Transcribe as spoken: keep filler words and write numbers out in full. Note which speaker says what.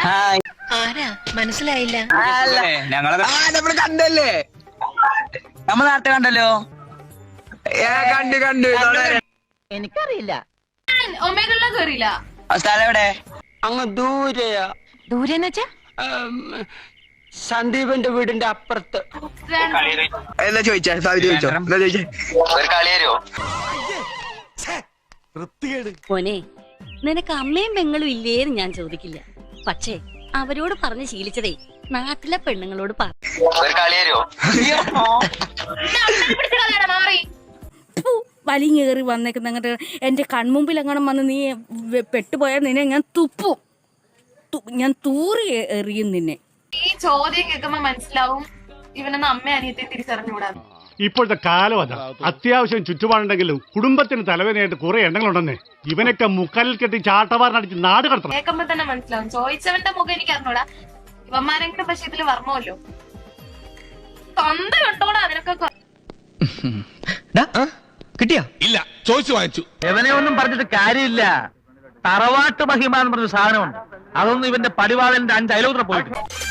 Speaker 1: Hi.
Speaker 2: ആരാ മനസ്സിലായില്ല?
Speaker 1: നമ്മള് കണ്ടല്ലേ, നമ്മൾ നേരത്തെ കണ്ടല്ലോ. കണ്ടു കണ്ടു
Speaker 2: എനിക്കറിയില്ല.
Speaker 1: സ്ഥലം എവിടെ?
Speaker 3: അങ്ങ് ദൂരെയാ.
Speaker 2: ദൂരെന്ന് വെച്ചാ
Speaker 3: സന്ദീപന്റെ വീടിന്റെ അപ്പുറത്ത്.
Speaker 1: എന്താ ചോദിച്ചാ? ചോദിച്ചോ, എന്താ ചോദിച്ചേ?
Speaker 4: മോനെ, നിനക്ക് അമ്മയും പെങ്ങളും ഇല്ലേന്ന് ഞാൻ ചോദിക്കില്ല. പക്ഷേ അവരോട് പറഞ്ഞ് ശീലിച്ചതേ നാട്ടിലെ പെണ്ണുങ്ങളോട് പറ.
Speaker 5: വലിഞ്ഞേറി വന്നേക്കുന്ന അങ്ങോട്ട് എന്റെ കൺമുമ്പിൽ അങ്ങനെ വന്ന് നീ പെട്ടുപോയാൽ നിന്നെ ഞാൻ തുപ്പും, ഞാൻ തൂറി എറിയും നിന്നെ.
Speaker 6: ഈ ചോദ്യം കേൾക്കുമ്പോ മനസ്സിലാവും ഇവനൊന്ന് അമ്മ അനിയത്തെ തിരിച്ചറിഞ്ഞുകൂടാ.
Speaker 7: ഇപ്പോഴത്തെ കാലം അതാ. അത്യാവശ്യം ചുറ്റുപാടുണ്ടെങ്കിലും കുടുംബത്തിന് തലവേദനയായിട്ട് കുറെ എണ്ണങ്ങളുണ്ടെന്നേ. ഇവനൊക്കെ മുക്കാലിൽ കെട്ടി ചാട്ടവാറിനടിച്ച് നാട് കടത്തണം.
Speaker 6: കേൾക്കുമ്പോ തന്നെ മനസ്സിലാവും. ചോദിച്ചവന്റെ മുഖം എനിക്ക് അറിഞ്ഞൂടാ. ഇവന്മാരെങ്കിലും പക്ഷെ ഇതില് വർമ്മല്ലോ തൊന്ത കണ്ടോടാ അതിനൊക്കെ.
Speaker 8: കിട്ടിയാ? ഇല്ല, ചോദിച്ചു വാങ്ങിച്ചു.
Speaker 9: ഇവനെ ഒന്നും പറഞ്ഞിട്ട് കാര്യമില്ല. തറവാട്ട് മഹിമ എന്ന് പറഞ്ഞ സാധനമുണ്ട്. അതൊന്നും ഇവന്റെ പടിവാളന്റെ അഞ്ച് അയലോത്ര പോയിട്ട്